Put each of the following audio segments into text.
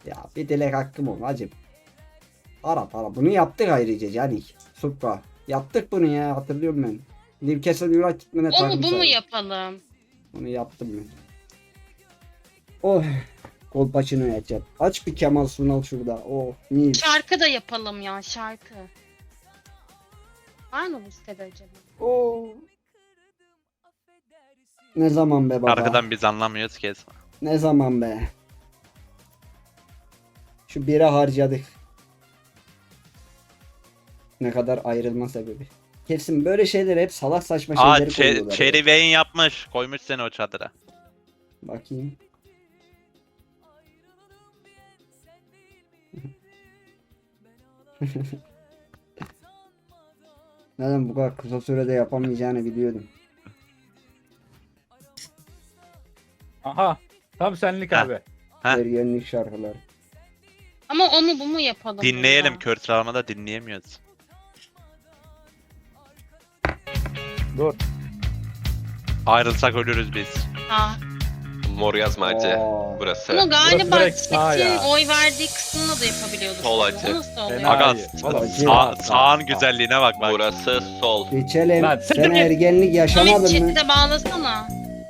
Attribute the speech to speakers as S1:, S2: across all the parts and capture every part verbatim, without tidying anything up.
S1: Ya bir dilek hakkım ol hacım. Para para. Bunu yaptık ayrıca Canik. Supra. Yaptık bunu ya, hatırlıyorum ben. Newcastle United'mene
S2: O mu
S1: takım
S2: bu mu
S1: sahibi.
S2: yapalım?
S1: Bunu yaptım ben. Oh. Kolpaçino yapacağım. Aç bir Kemal Sunal şurada. Oh. Mis.
S2: Şarkı da yapalım ya, şarkı. Var mı bu sitede acaba?
S1: Oh. Ne zaman be baba?
S3: Arkadan biz anlamıyoruz ki.
S1: Ne zaman be? Şu bire harcadık. Ne kadar ayrılma sebebi. Kesin böyle şeyler hep salak saçma
S3: Aa
S1: şeyleri
S3: Che-
S1: koyuyorlar. ya.
S3: Cherry Wayne yapmış. Koymuş seni o çadıra.
S1: Bakayım. Neden bu kadar kısa sürede yapamayacağını biliyordum.
S4: Aha. Tam senlik
S3: Ha.
S4: abi.
S3: Heh.
S1: Ergenlik şarkıları.
S2: Ama o mu bu mu yapalım?
S3: Dinleyelim.
S2: ya?
S3: Kör sıralamada dinleyemiyoruz.
S4: Dur.
S3: Ayrılsak ölürüz biz.
S2: Ha.
S5: Mor yazmacı
S1: Aa.
S5: burası.
S2: Ama galiba
S4: direkt sağ ya.
S2: Çetin oy verdiği kısmına da yapabiliyorduk.
S5: Sol
S2: bunu.
S5: açı.
S2: O nasıl oluyor?
S4: Fena
S3: Aga
S4: iyi. Valla
S1: Acı.
S3: sağ,
S4: sağ,
S3: sağın
S4: sağ.
S3: güzelliğine bak bak.
S5: Burası sol.
S1: Geçelim.
S4: Lan
S1: Sen
S4: siktir git.
S1: ergenlik
S2: Samet
S1: yaşamadın mı?
S2: chat'i de bağlasana.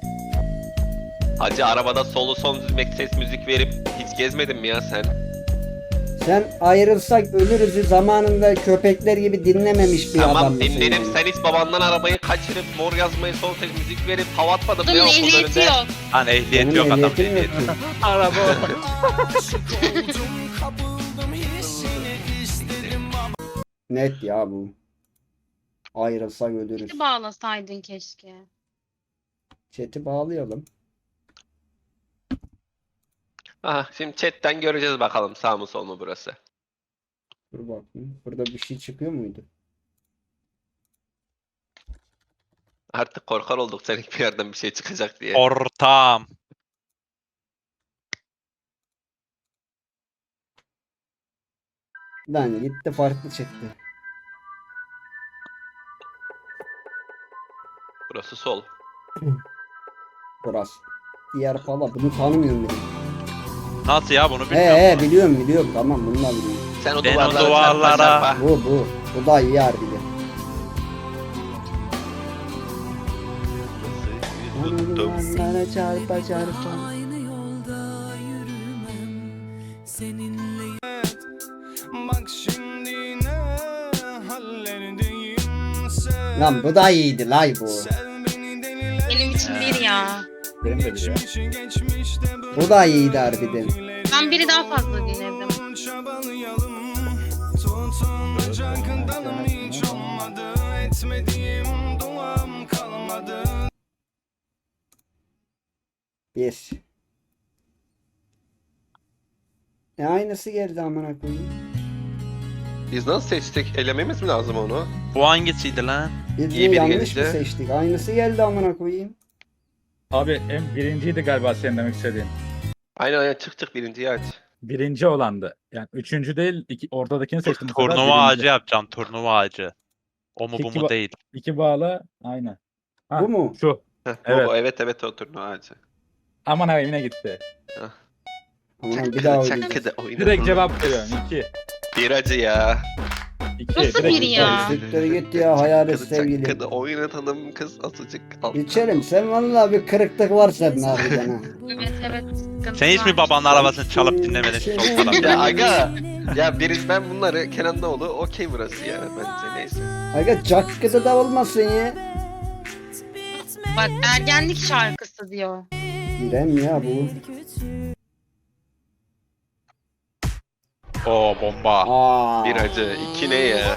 S5: Hacı arabada solu son düzmek ses müzik verip hiç gezmedin mi ya sen?
S1: Sen ayrılsak ölürüzü zamanında köpekler gibi dinlememiş bir adam
S5: Tamam
S1: mısın
S5: dinledim,
S1: yani?
S5: sen hiç babandan arabayı kaçırıp mor yazmayı son ses müzik verip hava atmadın mı
S2: Bunun
S5: ya okulun
S2: ehliyeti
S5: önünde?
S2: yok.
S3: Lan ehliyet
S1: Senin
S3: yok adam
S1: ehliyetin
S3: ehliyet.
S1: yok.
S4: Araba.
S1: Net ya bu. Ayrılsak ölürüz.
S2: Chat'i bağlasaydın keşke.
S1: Chat'i bağlayalım.
S5: Aha, şimdi chatten göreceğiz bakalım sağ mı sol mu burası.
S1: Dur bakayım. Burada bir şey çıkıyor muydu?
S5: Artık korkar olduk senin bir yerden bir şey çıkacak diye.
S3: Ortam.
S1: Lan gitti farklı çıktı.
S5: Burası sol.
S1: Burası. Diğer pala bunu tanımıyorum bile.
S3: Nasıl ya bunu
S1: He
S3: bilmiyorum.
S1: he biliyorum biliyorum tamam bunu da biliyorum.
S5: Sen o
S3: Ben o
S5: duvarlara,
S3: duvarlara-
S5: çarpa çarpa.
S1: Bu bu. Bu da iyi harbiden.
S5: Tuttum.
S1: Duvarlara çarpa çarpa.
S6: Aynı yolda yürümem seninle. Bak şimdi ne hallerdeyim sen.
S1: Lan bu da iyiydi lay bu.
S6: Sev beni deliler
S2: Benim için bir ya.
S4: Benim de bir ya.
S6: geçmişi geçmişte bırak.
S1: Bu da iyiydi harbiden.
S2: Ben biri daha fazla dinledim.
S6: Çabalayalım. Tutunacak dalım hiç olmadı. Etmediğim duam kalmadı.
S1: Bir. E aynısı geldi amına koyayım.
S5: Biz nasıl seçtik? Elememiz mi lazım onu?
S3: Bu hangisiydi lan?
S1: Biz
S5: İyi
S1: de
S5: biri
S1: yanlış
S5: gelince.
S1: mı seçtik? Aynısı geldi amına koyayım.
S4: Abi en birinciydi galiba senin demek istediğin.
S5: Aynen aynen çık çık birinciyi aç.
S4: Birinci olandı. Yani üçüncü değil, iki, ortadakini seçtim. bu sefer,
S3: Turnuva
S4: birinci.
S3: ağacı yapacağım. Turnuva ağacı. O mu bu
S4: Peki
S3: mu
S4: ba-
S3: değil.
S4: İki bağla, aynen. Ha,
S1: Bu mu?
S4: Şu.
S5: Heh, bu,
S4: Evet.
S5: bu, evet evet o turnuva ağacı.
S4: Aman abi yine gitti.
S1: Aman bir daha
S5: Çakkıdı
S1: oynayacağız.
S5: çakkıdı oyna.
S4: Direkt cevap veriyorum. İki.
S5: Bir acı ya.
S4: İki.
S2: Nasıl
S4: direkt
S2: biri
S4: iki.
S2: ya?
S1: Siktir git ya hayalet
S5: Çakkıdı
S1: sevgili.
S5: çakkıdı oynatalım kız azıcık. Al.
S1: İçerim sen vallahi bir kırıklık var senin harbiden ha.
S2: Evet evet. sıkıntı
S3: Sen hiç mi
S2: var.
S3: babanın arabasını çalıp dinlemedin şu sol tarafta?
S5: Ya aga. Ya biriz ben bunları Kenan Doğulu okey burası ya bence neyse.
S1: Aga cakkıda da olmasın ya.
S2: Bak ergenlik şarkısı diyor.
S1: İrem ya bu.
S3: Oo bomba.
S1: Aa.
S5: Bir acı. iki ne ya?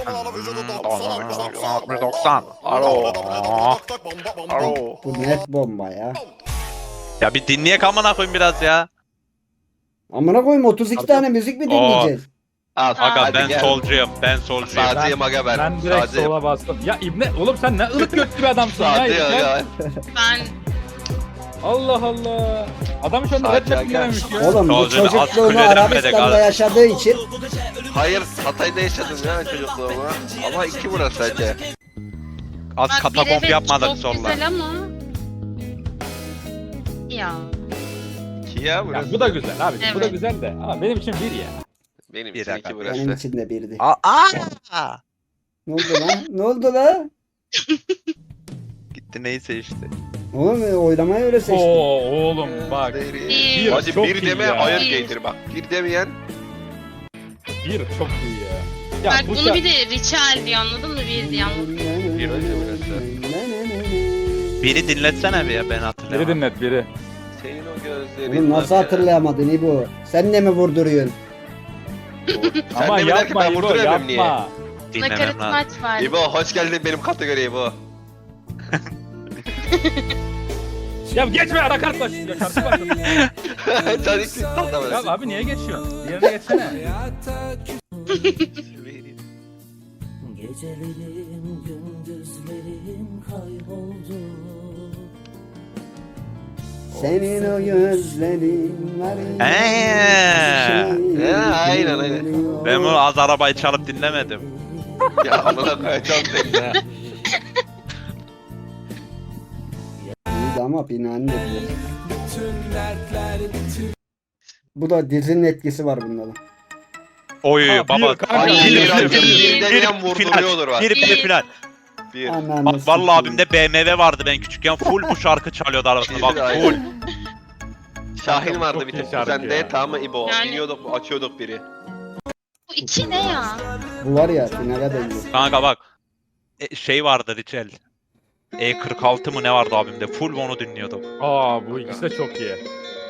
S3: doksan. Alo. Alo.
S1: Bu net bomba ya.
S3: Ya bir dinleyek amına koyayım biraz ya.
S1: Amına koyayım otuz iki tane müzik mi dinleyeceğiz?
S5: Al.
S3: Aga
S5: hadi
S3: ben
S5: gel.
S3: solcuyum. Ben solcuyum.
S5: Sağcıyım aga ben.
S4: Ben direkt
S5: Sağcıyım.
S4: sola bastım. Ya İbne, oğlum sen ne ılık götlü bir adamsın ya.
S5: Sağcı
S4: İbne.
S5: aga.
S2: Ben
S4: Allah Allah. Adam şu anda
S5: Sadece
S4: rap
S5: aga.
S4: dinlememiş ya.
S1: Oğlum bu
S3: Solcu, az
S1: çocukluğunu
S3: kuleden
S1: Arabistan'da
S3: medik, az.
S1: yaşadığı için
S5: Hayır Hatay'da yaşadım ya çocukluğumu. Ama iki burası sadece.
S3: Az
S2: bak bir
S3: katakomp
S2: evet
S3: yapmadık
S2: çok
S3: solla.
S2: güzel ama. Ya.
S5: İki iki ya burası.
S4: Ya bu da güzel abi. Bu da
S2: Evet.
S4: güzel de ama benim için bir ya.
S5: Benim
S3: Bir
S5: için
S3: dakika.
S5: iki
S1: Benim
S5: burası.
S1: için de birdi.
S3: Aa! aa!
S1: Ne oldu lan? Ne oldu lan?
S3: Gitti neyse işte.
S1: Oğlum e, oylamayı öyle seçtim.
S4: Oo oğlum bak.
S2: Bir.
S5: Hadi
S4: Çok
S5: bir
S4: iyi
S5: deme
S4: ya.
S5: ayar
S2: Bir.
S5: geydir bak. Bir demeyen
S4: Bir çok iyi ya. Ya
S2: Bak
S4: bu
S2: bunu
S4: şarkı-
S2: bir de Richel diyor anladın mı? Bir diyor.
S5: Bir önce burası.
S3: Biri dinletsene bir ya ben
S4: Biri
S3: hatırlamıyorum.
S4: dinlet biri.
S5: Senin o gözlerin.
S1: Oğlum nasıl hatırlayamadın İbo? Sen de mi vurduruyorsun?
S5: Sen
S4: Ama
S5: de mi der ki
S4: yapma
S5: ben
S4: İbo
S5: vurduramıyorum niye?
S4: yapma.
S3: Dinlemem
S2: Nakarat
S3: lazım.
S2: maç var.
S5: İbo hoş geldin benim kategoriye İbo.
S4: Ya geçme anakart başlıyor. Şarkı başlıyor.
S5: Sen hiç
S4: Ya
S5: anlamadın.
S4: abi niye geçiyorsun? Diğerine geçsene.
S7: Gecelerim, gündüzlerim kayboldu.
S1: Senin o gözlerin var.
S3: Eee.
S5: Ee, aynen, aynen.
S3: Ben bunu az arabayı çalıp dinlemedim.
S5: Ya amına koyacağım seni ya.
S1: İyiydi ama binanın etkisi.
S6: Bütün dertler bütün
S1: Bu da dizinin etkisi var bunda da.
S3: Oy
S4: Ha, bir
S3: baba.
S4: kanka,
S5: Ay
S2: Bir,
S5: bir
S2: bir,
S5: acım
S2: bir,
S5: bir deneyen vurduruyordur bak.
S3: Bir bir final.
S5: Bir.
S1: Ananı
S3: Bak vallahi
S1: sikeyim.
S3: abimde B M W vardı ben küçükken full bu şarkı çalıyordu arabasında bak
S5: Aynen.
S3: full.
S5: Şahin vardı
S4: Çok
S5: bir
S4: iyi
S5: tek
S4: şarkı
S5: sende
S4: ya.
S5: tamam mı İbo?
S2: Yani-
S5: Biniyorduk açıyorduk biri.
S2: Bu iki ne ya?
S1: Bu var ya finale benziyor.
S3: Kanka bak. E, şey vardı Richel. E kırk altı mı ne vardı abimde full onu dinliyordum.
S4: Aa bu ikisi de çok iyi.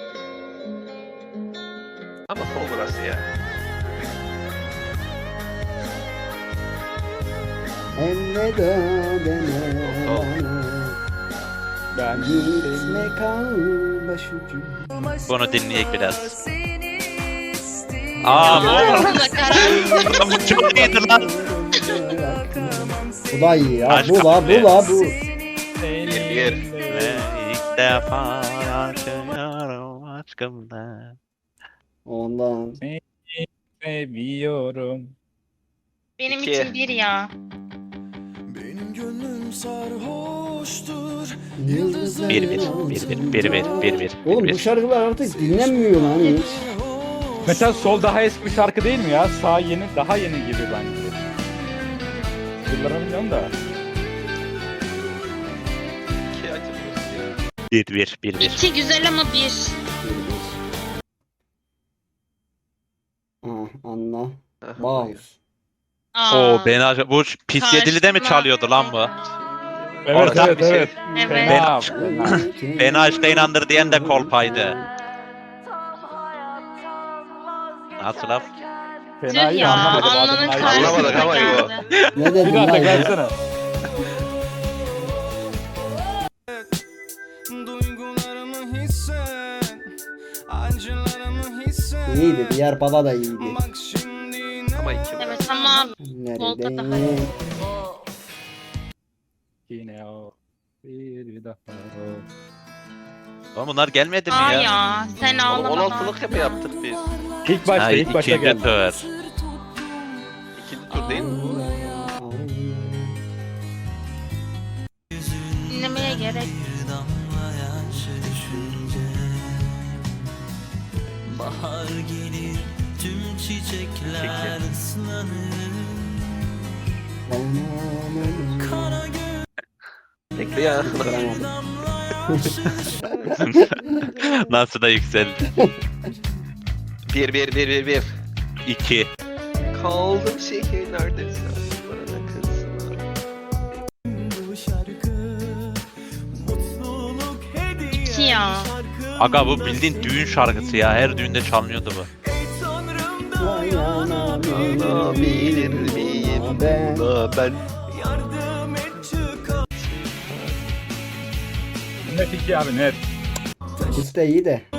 S5: Ama son burası ya.
S1: Elveda deme
S5: Tamam.
S1: bana.
S4: Ben
S1: Gitme kal başucu.
S3: Bunu dinleyek biraz. Aa bu
S2: Aa, nakarat.
S3: bu çok iyiydi lan.
S1: Bu da iyi ya.
S3: Aşk
S1: Bu la bu la bu.
S5: Bir.
S3: Ve ilk defa yaşıyorum aşkımda.
S1: Ondan.
S4: seviyorum.
S2: Benim
S5: İki.
S2: için bir ya.
S6: benim gönlüm sarhoştur.
S1: Yıldızlar
S3: Bir bir bir bir bir bir bir bir
S1: Oğlum
S3: bir
S1: bu
S3: bir.
S1: şarkılar artık dinlenmiyor lan hiç.
S4: Mesela sol daha eski bir şarkı değil mi ya? Sağ yeni daha yeni gibi bence. Yıllara bilmiyorum da.
S5: İki acı burası ya.
S3: Bir bir bir bir.
S2: İki güzel ama bir.
S1: Ah anla.
S5: Aha,
S1: Bağız.
S2: Aa.
S3: Oo beni acaba bu pis yedili de mi
S2: Karşıma.
S3: çalıyordu lan bu?
S4: Evet
S3: Ortak
S4: evet
S5: bir şey.
S4: evet.
S2: Evet.
S4: Fena, fena.
S3: Beni aşka inandır diyen de kolpaydı. Nasıl laf?
S2: Tüh
S4: Fena iyi
S2: ya.
S4: anlamadım.
S2: Alnının
S4: adamın
S5: Anlamadık
S2: karşısına
S5: ama iyi o.
S2: geldi.
S1: Ne
S4: Bir
S1: dedin
S4: daha
S1: lan?
S4: tekrar
S1: ya?
S4: etsene.
S6: Duygularımı hisset. Acılarımı hisset.
S1: İyiydi. Diğer baba da iyiydi.
S6: Bak şimdi ne
S5: Ama iki
S2: Evet
S5: burası.
S2: ama Volta daha
S1: Nerede?
S4: Yine o. Bir daha o.
S3: Oğlum bunlar gelmedi mi
S2: aa
S3: ya?
S2: ya. Sen
S5: Oğlum
S2: ağlama.
S5: on altılık mı yaptık biz?
S4: İlk başta
S3: Ha,
S4: ilk başta
S3: ikinci
S4: geldi.
S3: tur.
S5: İkinci tur değil mi?
S2: Dinlemeye gerek.
S7: Bahar gelir, tüm çiçekler ıslanır. Kara
S5: Bekle ya.
S3: Nasıl da yükseldi.
S5: Bir bir bir bir bir.
S3: İki.
S5: Kaldım şehirlerde bana kızlar.
S7: bu şarkı, mutluluk hediye
S2: İki ya.
S7: şarkı.
S3: Aga bu bildiğin düğün şarkısı ya. Her düğünde çalınıyordu bu.
S7: Ey Tanrım dayanabilir
S5: Dayanabilir miyim
S1: Ben.
S5: buna ben?
S7: yardım et çıkar.
S4: Net iki abi net.
S1: İkisi de iyi de.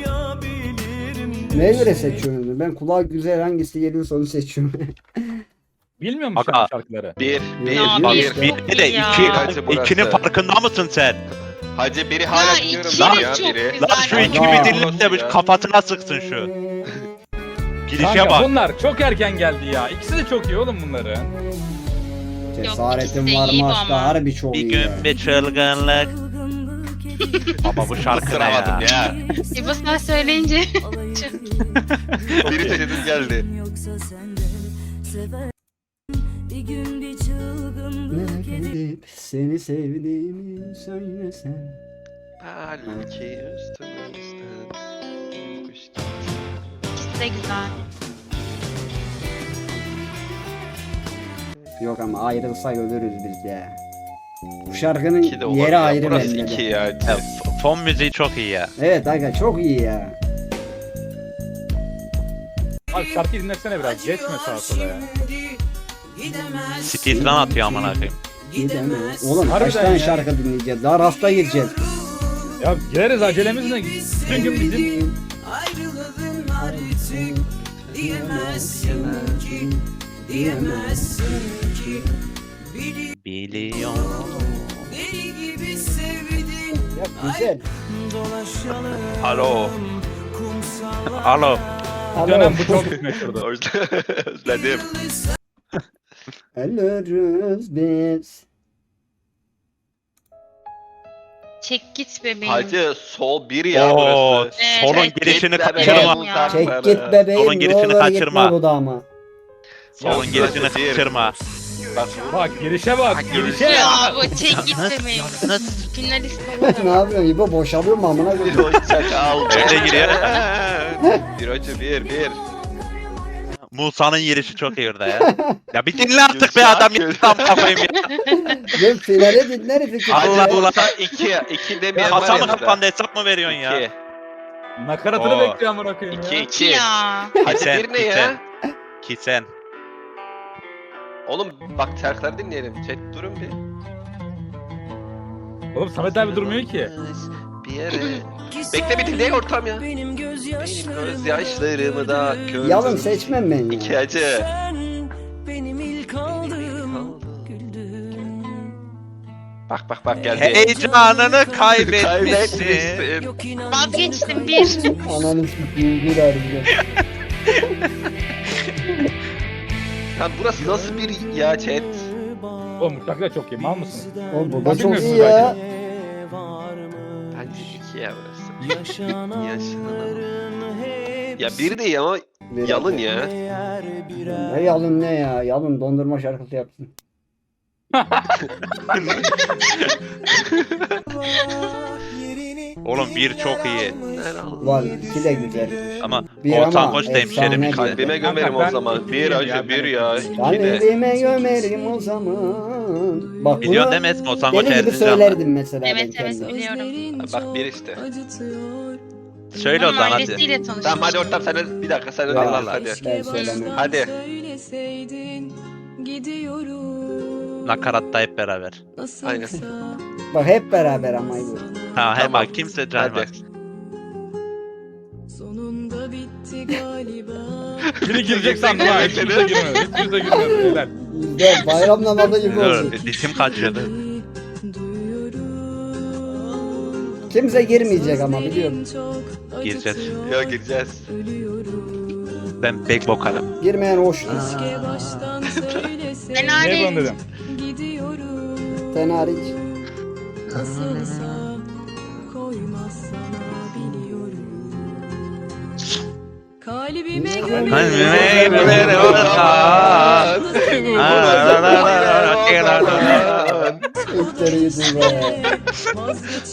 S1: Neye göre seçiyorsunuz? Ben kulağa güzel hangisi geliyorsa onu seçiyorum.
S4: Bilmiyor musun
S3: Aga.
S4: şarkıları?
S5: Bir bir
S2: Ya,
S3: Bak
S5: bir.
S2: bir.
S3: bir de
S2: Ya.
S3: iki.
S5: Hacı burası.
S3: İkinin farkında mısın sen?
S5: Hacı biri
S2: Ya
S5: hala biliyorum
S2: iki
S5: ben
S2: de
S5: ya
S2: çok
S5: biri.
S2: güzel.
S3: Lan şu
S2: Aga.
S3: iki bir dinle de bu kafasına sıksın şu. Girişe
S4: Kanka
S3: bak.
S4: bunlar çok erken geldi ya. İkisi de çok iyi oğlum bunların.
S1: Cesaretim
S2: ikisi de
S1: var
S2: iyi
S1: mı
S2: bu
S1: aşka
S2: ama.
S1: harbi çok
S3: Bir
S1: iyi ya.
S3: gün bir çılgınlık. Baba bu şarkı ne ya?
S5: Sıramadım ya.
S2: İbo sen söyleyince.
S5: Biri dedim geldi.
S8: Yoksa sen de sever bir gün bir çılgınlık edip
S1: Gidip seni sevdiğimi söylesen.
S5: Belki üstümüzden kuş gitti.
S2: İkisi de güzel.
S1: Yok ama ayrılsak ölürüz biz ya. Bu şarkının
S5: İki de olur
S1: yeri
S5: ya.
S1: ayrı
S5: Burası
S1: bende de.
S5: iki ya.
S3: Ya, f- fon müziği çok iyi ya.
S1: Evet aga çok iyi ya.
S4: Abi şarkıyı dinlesene biraz. Geçme sağa sola ya.
S3: Speedrun atıyor amına koyayım.
S1: Gidemez. Oğlum kaç
S4: Harbiden
S1: tane
S4: ya.
S1: şarkı dinleyeceğiz? Daha rasta gireceğiz.
S4: Ya gireriz acelemiz ne? Bütün gün bizim
S7: Ayrılığın artık diyemezsin ki, diyemezsin ki.
S3: Biliyorum.
S7: Deli gibi sevdin,
S1: Ya güzel.
S7: dolaşalım
S3: Alo.
S7: kumsallar.
S3: Alo.
S4: dönem bu çok meşhurdu.
S5: Özledim.
S1: Ölürüz biz.
S2: Çek git bebeğim.
S5: Hacı sol bir ya
S3: Oo,
S5: burası.
S2: Evet,
S3: solun
S2: evet.
S3: girişini
S5: Gitme
S3: kaçırma.
S5: be,
S2: Ya.
S1: Çek
S5: uzaklara.
S1: git bebeğim.
S3: Solun
S1: ne
S3: girişini
S1: olur
S3: kaçırma.
S1: gitme bu dama.
S3: Solun
S5: Ya,
S3: girişini
S5: burası bir.
S3: kaçırma.
S5: Bak
S4: Bak girişe bak. Girişe.
S2: Ya bu çek git bebeğim. Finalist olur.
S1: Ne yapıyorsun İbo? Boşalıyor mu amına
S5: bir
S1: koyayım?
S5: oyuncak aldı.
S3: Öyle giriyor.
S5: Bir hoca bir bir.
S3: Musa'nın girişi çok iyi orada ya. Ya bir dinle artık be adam ya. Tam kafayım ya.
S1: Ben finale dinleriz iki.
S3: Allah
S5: Hacı
S3: Allah.
S5: Musa iki. iki demeyen var
S3: Kasa mı
S5: ya.
S3: kapandı hesap mı veriyorsun ya?
S5: İki.
S4: Nakaratını
S3: Oo.
S4: bekliyor amına koyayım
S5: İki
S4: ya.
S5: iki.
S2: Ya.
S5: Hacı
S3: Sen,
S5: bir ne ya?
S3: Ki sen.
S5: Oğlum bak terkler dinleyelim. Chat durun bir.
S4: Oğlum Samet abi durmuyor ki.
S5: Bir yere. Bekle bir dinleyin ortam ya.
S7: Benim
S5: Benim
S7: gözyaşlarım.
S5: gözyaşlarımı da gördüm.
S1: Yalın seçmem ben
S5: İki
S1: ya.
S5: hacı.
S7: Sen benim ilk aldığım güldün.
S5: Bak bak bak geldi.
S3: Heyecanını kaybetmişsin.
S5: Kaybetmişsin.
S7: Yok inan
S2: Vazgeçtim bir.
S1: Ananı s**eyim bir harbiden.
S5: Lan burası nasıl bir ya chat?
S4: Oğlum bu şarkı da çok iyi. Mal mısın?
S1: Oğlum bu da
S4: Nasıl
S1: çok
S4: bilmiyorsun
S1: iyi ya.
S5: Bence iki ya burası.
S7: Yaşananların hepsi
S5: Ya bir değil ama
S1: Bir
S5: yalın ya.
S7: eğer birer
S1: Ne yalın ne ya? Yalın dondurma şarkısı yapsın.
S7: yerini
S3: Oğlum bir çok iyi.
S1: Var iki de güzel.
S3: Ama
S1: Bir
S3: Oğuzhan
S1: ama
S3: Koç da hemşerim.
S1: efsane bir.
S5: Kalbime gömerim
S4: Kanka,
S5: o zaman.
S4: ben-
S5: Bir
S4: ya,
S5: acı bir
S4: ben-
S5: ya.
S1: Ben
S5: İki de.
S1: evime gömerim o zaman. Bak
S3: Biliyorsun
S1: bunu
S3: değil mi Esma? Oğuzhan Koç
S1: deli gibi
S3: Erzincanlı.
S1: söylerdim mesela ben
S2: Evet evet
S1: kendim.
S2: biliyorum.
S5: Bak bir işte.
S3: Söyle o
S2: Onun
S3: zaman hadi.
S2: ailesiyle tanışmıştım.
S5: Tamam hadi ortam sen de bir dakika sen de
S1: Ya,
S5: dinle
S3: Allah.
S5: hadi.
S1: Ben söylemem.
S5: Hadi.
S8: söyleseydin gidiyorum
S3: Nakaratta hep beraber.
S5: Aynen.
S1: Bak hep beraber ama bu.
S3: Ha he
S5: Tamam.
S3: bak kimse caymaz.
S8: sonunda bitti galiba
S4: Biri girecek sandım ha. Hiç kimse girmedi. Hiç kimse girmedi. Beyler.
S1: Bizde bayram namazı gibi
S3: Dur,
S1: oldu.
S3: ritim kaçıyordu.
S8: duyuyorum
S1: Kimse girmeyecek ama biliyorum.
S8: çok
S3: Gireceğiz.
S5: Ya gireceğiz.
S8: ölüyorum
S3: Ben back vokalım.
S1: Girmeyen hoş.
S8: keşke baştan söyleseydin
S2: Ben
S4: Ne
S2: hariç.
S4: yapalım dedim.
S8: gidiyorum
S1: Sen hariç.
S8: nasılsa koymaz sana biliyorum kalbime
S3: Kalbime gömerim o zaman.
S1: İlkleri yüzüm be.
S8: vazgeç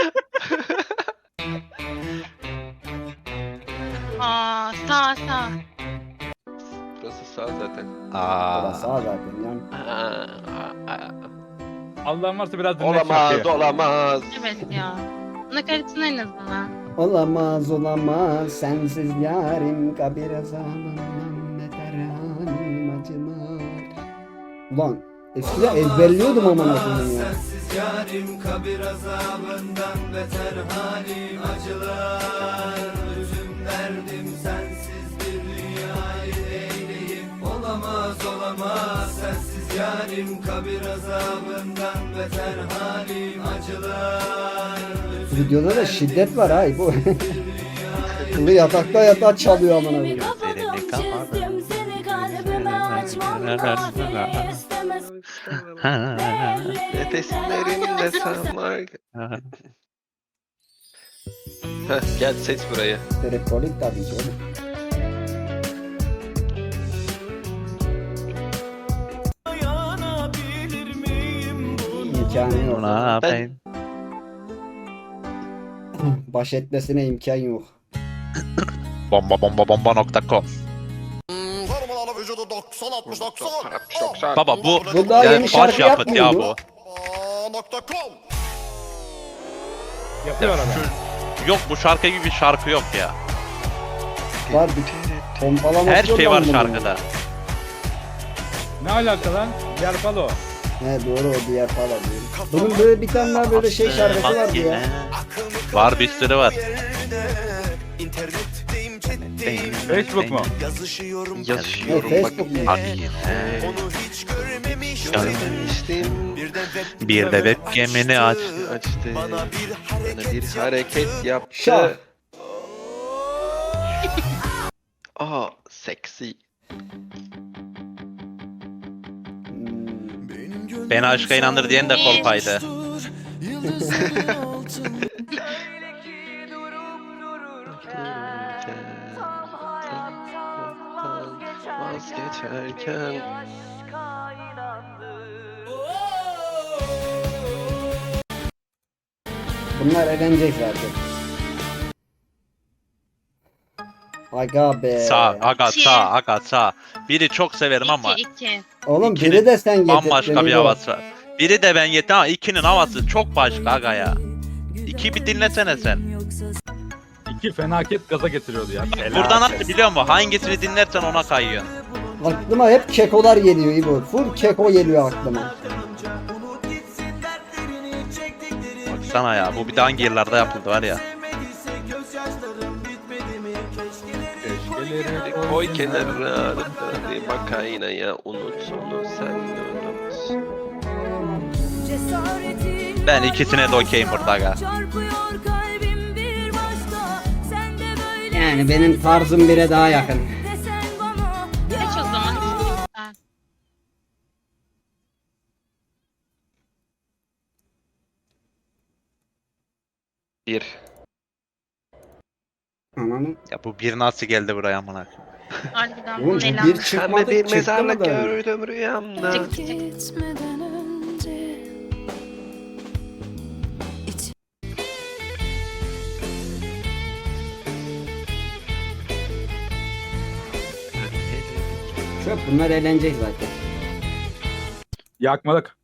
S2: Aa sağ sağ.
S5: Burası sağ zaten.
S1: Baba
S3: Aa.
S1: sağ zaten yani.
S5: Aa, aa.
S4: Allah'ın varsa biraz dinle
S5: Olamaz
S4: şarkıyı.
S5: olamaz.
S2: Evet ya. Nakaratın en azından.
S1: Olamaz olamaz sensiz yarim kabir azabından beter halim acılar. Ulan eskiden ezberliyordum aman koyayım ya.
S6: Sensiz yarim kabir azabından beter halim acılar. Üzüm derdim sensiz bir dünyayı eyleyip olamaz olamaz sensiz yarim kabir azabından beter halim acılar.
S1: Videoda da şiddet var ha bu. Kılı yatakta yatağa çalıyor aman koyayım.
S8: kapadım çizdim seni kalbime açmam nafile istemez
S5: Nefeslerimde sanmak. Heh, gel seç burayı.
S1: Tripkolik tabii ki oğlum.
S7: Dayanabilir miyim buna?
S1: İmkanı yok.
S3: Buna
S5: Ben-
S3: ben
S1: Baş etmesine imkan yok.
S3: bomba bomba bomba nokta com. Baba bu
S1: Bu daha
S5: Yani
S1: yeni şarkı
S3: baş yapıt ya
S1: yapmıyor
S3: bu.
S4: Yapıyor adam.
S3: Yok bu şarkı gibi bir şarkı yok ya.
S1: Var bir pompalaması
S3: Her
S1: yok
S3: şey
S1: lan
S3: var
S1: bunun.
S3: şarkıda.
S4: Ne alaka lan? Diğer palo.
S1: He doğru o diğer falan diyorum. Bunun böyle bir tane daha böyle şey şarkısı
S3: Bak
S1: vardı
S3: yine.
S1: ya.
S3: Var bir sürü var.
S7: İnternetteyim chatteyim.
S4: Facebook mu?
S7: Yazışıyorum.
S5: Yazıyorum
S1: Ne,
S5: bak.
S1: Facebook mu?
S3: Hadi yine.
S7: Onu hiç görmemiştim.
S5: Görmemiştim.
S7: Birden web
S3: Bir de webcam'ini aç.
S5: Açtı.
S7: Bana bir
S5: Bana
S7: hareket
S5: bir hareket yaptı.
S1: Şah.
S5: Aa, seksi.
S1: Hmm.
S3: Beni aşka inandır diyen de kolpaydı.
S5: Vazgeçerken
S1: Bunlar eğlenecek zaten. Aga be.
S3: Sağ, aga
S2: İki.
S3: sağ, aga sağ. Biri çok severim ama
S2: İki iki.
S1: Oğlum
S3: ikinin
S1: biri de sen getirdin.
S3: bambaşka bir
S1: İbo.
S3: havası var. Biri de ben yetim ama ikinin havası çok başka aga ya. İki bir dinlesene sen.
S4: İki fenaket gaza getiriyordu ya.
S3: Buradan nasıl biliyor musun? Hangisini dinlersen ona kayıyorsun.
S1: Aklıma hep kekolar geliyor İbo. Full keko geliyor aklıma.
S3: Baksana ya bu bir de hangi yıllarda yapıldı var ya.
S5: koy kenara. Hadi bak aynaya unut onu sen unut.
S8: Cesaretin
S3: Ben ikisine de okeyim burada aga.
S8: çarpıyor kalbim bir başka. Sen de böyle
S1: Yani benim tarzım bire daha yakın.
S8: desen bana.
S2: Geç o zaman. Ha.
S5: Bir.
S1: Ananı.
S3: Ya bu bir nasıl geldi buraya amına koyayım?
S2: Harbiden
S1: Oğlum
S2: bu ne
S1: bu
S2: lan?
S1: bir
S5: Pembe
S1: çıkmadı
S5: bir
S1: çıktı
S5: mezarlık
S1: mı da?
S5: gördüm rüyamda.
S2: Cık cık.
S8: Gitmeden önce
S1: Çöp bunlar eğlenecek zaten.
S4: Yakmalık.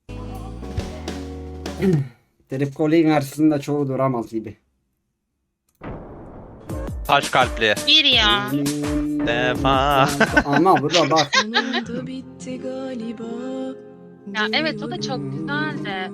S1: Tripkolik'in karşısında çoğu duramaz gibi.
S3: Taş kalpli.
S2: Bir ya.
S3: Defa.
S1: Ama bu da bak.
S8: sonunda bitti galiba.
S2: Ya evet o da çok güzel de.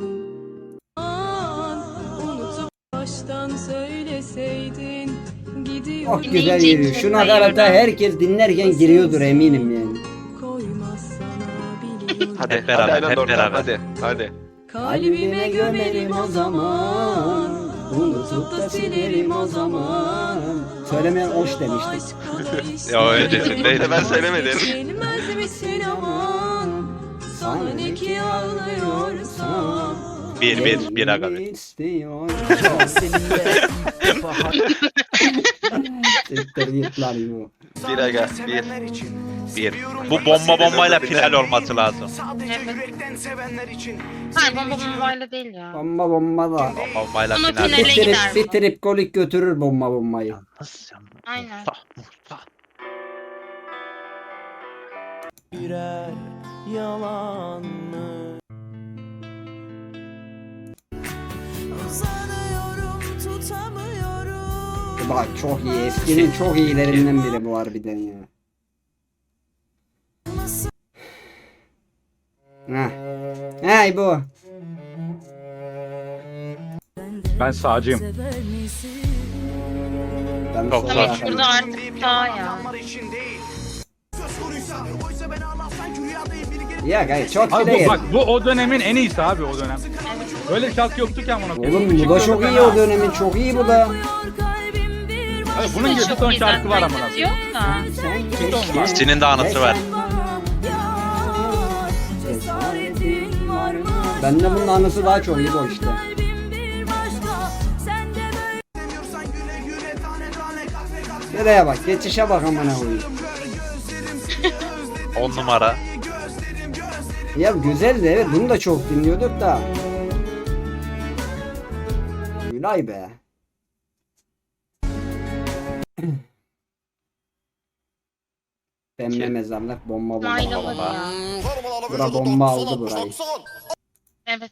S8: Unutup baştan söyleseydin gidiyor
S1: Çok güzel
S2: Dinleyince
S1: giriyor.
S2: içine
S1: Şu nakarata
S2: sayıyorum.
S1: herkes dinlerken giriyordur eminim yani.
S8: koymaz sana biliyorum.
S5: Hadi
S3: Hep beraber,
S5: hadi aynen
S3: hep
S5: oradan,
S3: beraber.
S5: hadi hadi.
S8: Kalbime gömerim o zaman. Unutup da silerim o zaman.
S1: Söylemeyen hoş demiştik.
S3: Ya öyle dedim değil.
S5: Ben söylemedim.
S8: Gelmez misin aman? Sana ne ki ağlıyorsam.
S3: Bir bir bir aga bir.
S1: İstiyor. Siktir git lan bu.
S5: Bir aga bir.
S3: Bir. Bu bomba bombayla final olması lazım.
S2: Hayır bomba bombayla değil ya.
S1: Bomba bomba da.
S3: Bomba bombayla
S2: Ama
S3: final.
S2: finale
S1: Bir trip,
S2: gider
S1: bir
S2: bu.
S1: tripkolik götürür bomba bombayı.
S3: Yalnız yalnız.
S2: Aynen.
S3: Muhta, muhta.
S7: birer yalan mı?
S8: Uzanıyorum tutamıyorum.
S1: Bak çok iyi. Eskinin çok iyilerinden biri bu harbiden ya. Heh. Hey bu.
S4: Ben sağcıyım.
S8: Sever misin?
S1: Ben
S3: Çok
S1: sonra
S2: Ama
S3: zor.
S2: şurada artık daha ya.
S1: Ya gayet çok
S4: Abi
S1: bile
S4: bu, bak
S1: geldi.
S4: bu o dönemin en iyisi abi o dönem. Böyle bir şarkı yoktu ki amına koyayım.
S1: Oğlum bu da çok iyi o dönemin çok iyi bu da.
S8: Kalbim bir
S4: Abi bunun
S2: Bu
S4: gibi
S2: da
S4: bir
S2: çok
S4: ton
S2: güzel.
S4: şarkı var amına
S2: Saygısı
S4: koyayım.
S2: yok da.
S1: Sen keşke.
S3: Sinin de anısı var.
S8: cesaretin var mı?
S1: Bende bunun anısı daha çok iyi bu işte.
S8: Kalbim bir başka. Sen de böyle
S1: Nereye bak, geçişe bak amına koyayım.
S3: on numara.
S1: Ya güzel de evet, bunu da çok dinliyorduk da. Gülay be. Pembe mezarlık bomba bomba.
S2: Aynaları ya.
S1: Bura bomba aldı burayı.
S2: Evet.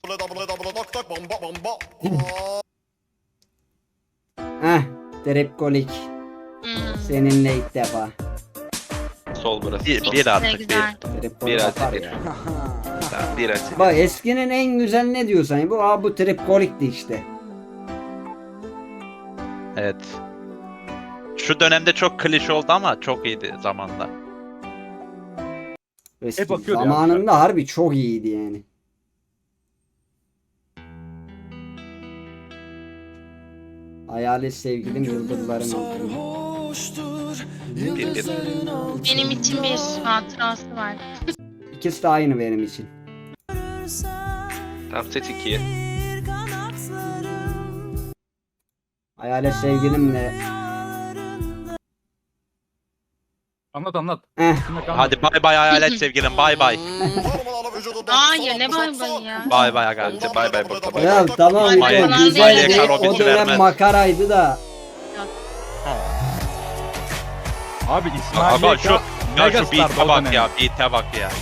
S1: Heh, Tripkolik.
S2: Hmm.
S1: Seninle ilk defa.
S5: Sol burası.
S3: Bir,
S5: Sol.
S3: bir artık bir.
S2: Güzel.
S1: Tripkolik
S5: Bir
S1: atar
S5: artı bir.
S1: ya.
S5: Tamam, bir açı.
S1: Bak eskinin en güzel ne diyorsan bu, aa bu Tripkolik'ti işte.
S3: Evet. Şu dönemde çok klişe oldu ama çok iyiydi zamanda.
S1: Eski
S4: bakıyordu ya.
S1: zamanında harbi çok iyiydi yani. Hayalet sevgilim yıldızların altında.
S5: Bir bir.
S2: Benim için bir hatırası var.
S1: İkisi de aynı benim için.
S5: Tamam seç ikiyi.
S1: Hayalet sevgilimle.
S4: Anlat anlat.
S1: Eh,
S4: Şimdi anlat.
S3: Hadi bay bay hayalet sevgilim bay bay.
S2: Hayır ne bay bay ya.
S3: Bay bay aga.
S5: Hadi bay bay burada bay.
S1: ya tamam
S2: Ay,
S1: o
S2: falan
S1: güzeldi.
S2: değil.
S1: O
S3: Robin
S1: dönem
S3: vermez.
S1: makaraydı da.
S4: Abi İsmail
S3: Aga
S4: Yeka
S3: şu, ya şu
S4: megastardı
S3: beat'e
S4: o
S3: bak
S4: dönem.
S3: ya, beat'e bak ya.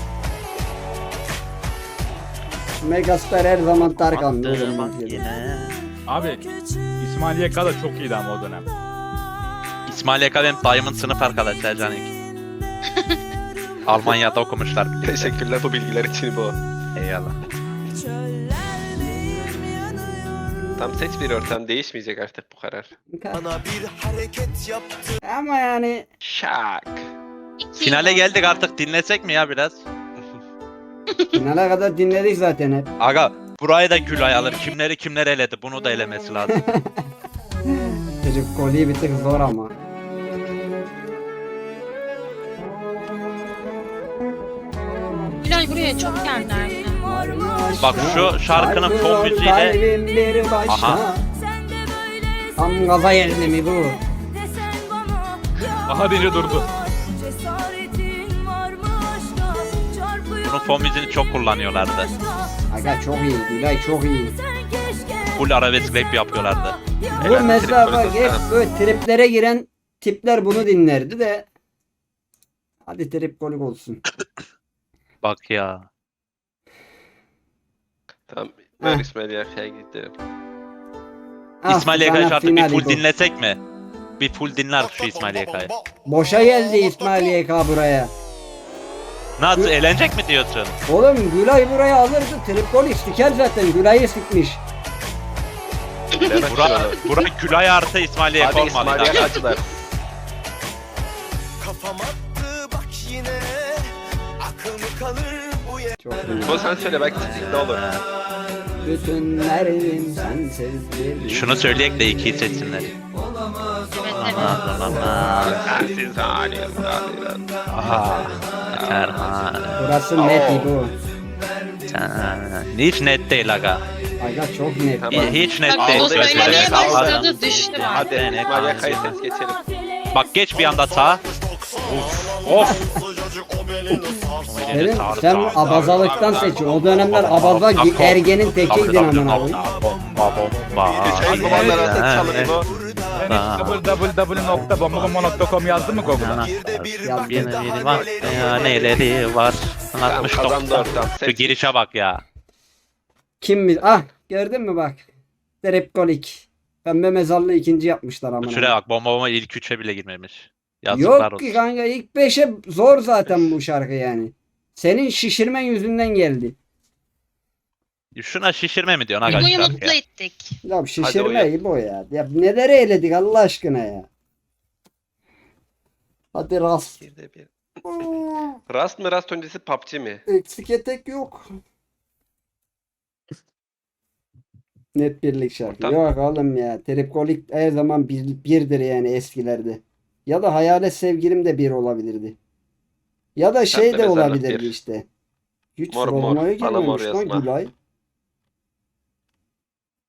S1: Megastar her zaman Tarkan.
S3: Attı bak yine.
S4: Abi İsmail Yeka da çok iyiydi ama o dönem.
S3: İsmail Yeka benim dayımın sınıf arkadaşı Canik. Almanya'da okumuşlar.
S5: Teşekkürler bu bilgiler için bu.
S3: Eyvallah.
S5: Tam seç bir ortam değişmeyecek artık bu karar.
S7: Bana bir hareket yaptı.
S1: Ama yani
S5: Şak.
S2: İki
S3: Finale
S2: yıl.
S3: geldik artık, dinlesek mi ya biraz?
S1: finale kadar dinledik zaten hep.
S3: Aga burayı da Gülay alır. Kimleri kimler eledi, bunu da elemesi lazım.
S1: Çocuk koliyi bir tık zor ama.
S2: Gülay buraya çok geldiler.
S3: Bak şu şarkının fon müziğiyle.
S1: Kalbim bir başka.
S3: Aha.
S1: Tam gaza geldi mi bu?
S4: Aha deyince durdu.
S3: Bunun fon müziğini çok kullanıyorlardı.
S1: Aga çok iyi, Gülay çok iyi.
S3: Full arabesk rap yapıyorlardı.
S1: Bu
S5: Evet,
S1: mesela
S5: trip
S1: bak
S5: polis
S1: hep
S5: olsana.
S1: böyle triplere giren tipler bunu dinlerdi de. Hadi trip kolik olsun.
S3: Bak ya.
S5: Tamam. Ver
S1: Heh.
S5: İsmail Yaka'ya gidelim.
S1: Ah,
S3: İsmail
S1: sana
S3: Yaka'yı artık bir
S1: finali
S3: full
S1: bu.
S3: dinlesek mi? Bir full dinler şu İsmail Yaka'yı.
S1: Boşa geldi İsmail Y K buraya.
S3: Nasıl, eğlenecek mi diyorsun?
S1: Oğlum Gülay buraya alırdı. Trip kolik siker zaten. Gülay'ı sikmiş.
S5: Bilemezsin
S3: Bura,
S5: onu.
S3: bura Gülay artı İsmail Yaka
S5: Hadi İsmail
S3: olmalı.
S5: Yaka acılar.
S7: Kafam attı bak yine. Akıl mı kalır bu yer?
S1: Çok iyi.
S5: Bu sen söyle belki ne olur.
S1: Bütün derdim sensiz bir.
S3: Şunu söyleyek de ikiyi seçsinler.
S2: Evet evet.
S3: Aman aman.
S5: Sensiz halim.
S3: Aha. Terhan.
S1: Burası net bu.
S3: Hiç net değil aga.
S1: Aga çok net.
S5: Tamam.
S3: Hiç net
S2: Bak
S3: değil.
S2: o söylemeye
S3: Gözlerine
S2: başladı
S3: sağlık.
S2: düştü bak.
S5: Hadi İsmail Yaka'yı seç geçelim.
S3: Bak geç bir anda sağa. Of.
S1: Senin, sen abazalıktan seçiyorsun. O dönemler abaza ergenin tekiydin amına koyayım.
S3: Bomba bomba.
S5: Geçen zamanlar artık çalınıyor bu.
S4: Ben hiç w w w nokta bomba bomba nokta com yazdın mı Google'a?
S1: Yazdım.
S3: Yeni var. Ya neleri var.
S5: Tamam
S3: altmış
S5: kazandı
S3: doksan.
S5: ortam.
S3: Şu
S5: Seç.
S3: girişe bak ya.
S1: Kim mi? Ah gördün mü bak. Tripkolik. Pembe mezarlığı ikinci yapmışlar amına.
S3: Şuraya bak, bomba bomba ilk üçe bile girmemiş. Yazıklar
S1: Yok
S3: olsun.
S1: ki kanka ilk beşe zor zaten bu şarkı yani. Senin şişirmen yüzünden geldi.
S3: Şuna şişirme mi diyorsun
S2: Bunu
S3: arkadaşlar
S2: mutlu
S3: ya?
S2: ettik.
S1: Ya şişirme
S5: oyun.
S1: gibi o ya. Ya neleri eledik Allah aşkına ya. Hadi rast.
S5: Bir de bir. Rast mı Rast öncesi P U B G mi?
S1: Eksik etek yok. Net birlik şarkı.
S5: Tamam.
S1: Yok oğlum ya. Tripkolik her zaman bir, birdir yani eskilerde. Ya da Hayalet Sevgilim de bir olabilirdi. Ya da şey
S5: Pembe
S1: de
S5: Mezarlık
S1: olabilirdi
S5: bir.
S1: işte. Hiç
S5: Mor mor,
S1: sormaya
S5: bana mor
S1: girmemiş lan
S5: yazma.
S1: Gülay.